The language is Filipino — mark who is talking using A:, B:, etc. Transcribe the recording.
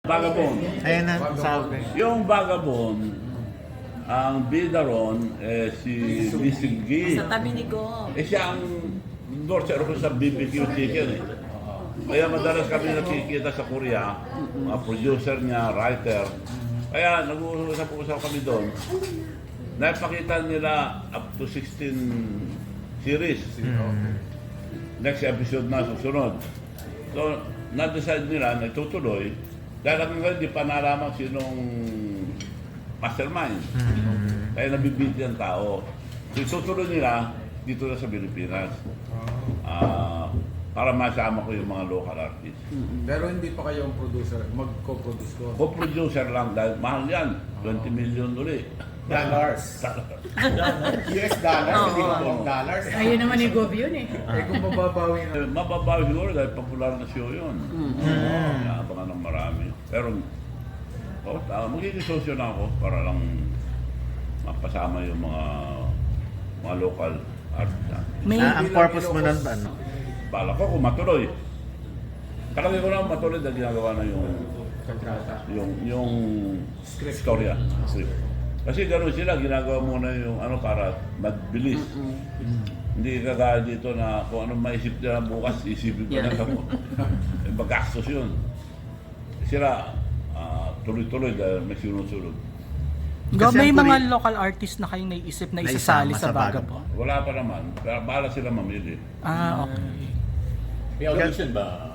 A: Vagabond.
B: Ayan na, sabi.
A: Yung Vagabond, ang bida ron, si Lisigi.
C: Sa tabi ni Go.
A: Siya ang endorser ko sa BBQ Chicken eh. Kaya madalas kami nakikita sa Korea, mga producer niya, writer. Kaya nag-uusap-usap kami doon. Napakita nila up to 16 series. Next episode na susunod. So, na-decide nila na itutuloy. Dahil hanggang hindi pa nalaman sinong mastermind. Kaya nabibiti ang tao. So, itutuloy nila dito na sa Pilipinas. Para masama ko yung mga local artists.
D: Pero hindi pa kayo ang producer, mag-co-produce ko.
A: Co-producer lang dahil mahal yan. 20 million ulit.
E: Dollars. US dollars, hindi ko Hong dollars.
C: Ayun naman yung Go yun eh.
D: Kung mababawi na.
A: Mababawi siguro dahil popular na show yun. Abangan ng marami. Pero, magiging sosyo na ako para lang mapasama yung mga local artists.
B: Ang purpose mo nun ba? No?
A: Bala ko kung matuloy. Kalagay ko na matuloy dahil ginagawa na yung storya. Script. Kasi gano'n sila, ginagawa muna yung para magbilis. Hindi kagaya dito na kung anong maisip nila bukas, isipin ko na ako. Magastos yun. Sila, tuloy-tuloy dahil may sinusunod.
F: Go,
B: Kasi
F: may
B: ang
F: mga local artist na kayong naisip na isasali
B: Naisama
F: sa
B: sa
F: Vagabond?
A: Wala pa naman, pero bahala sila mamili.
F: Okay.
E: May audition ba?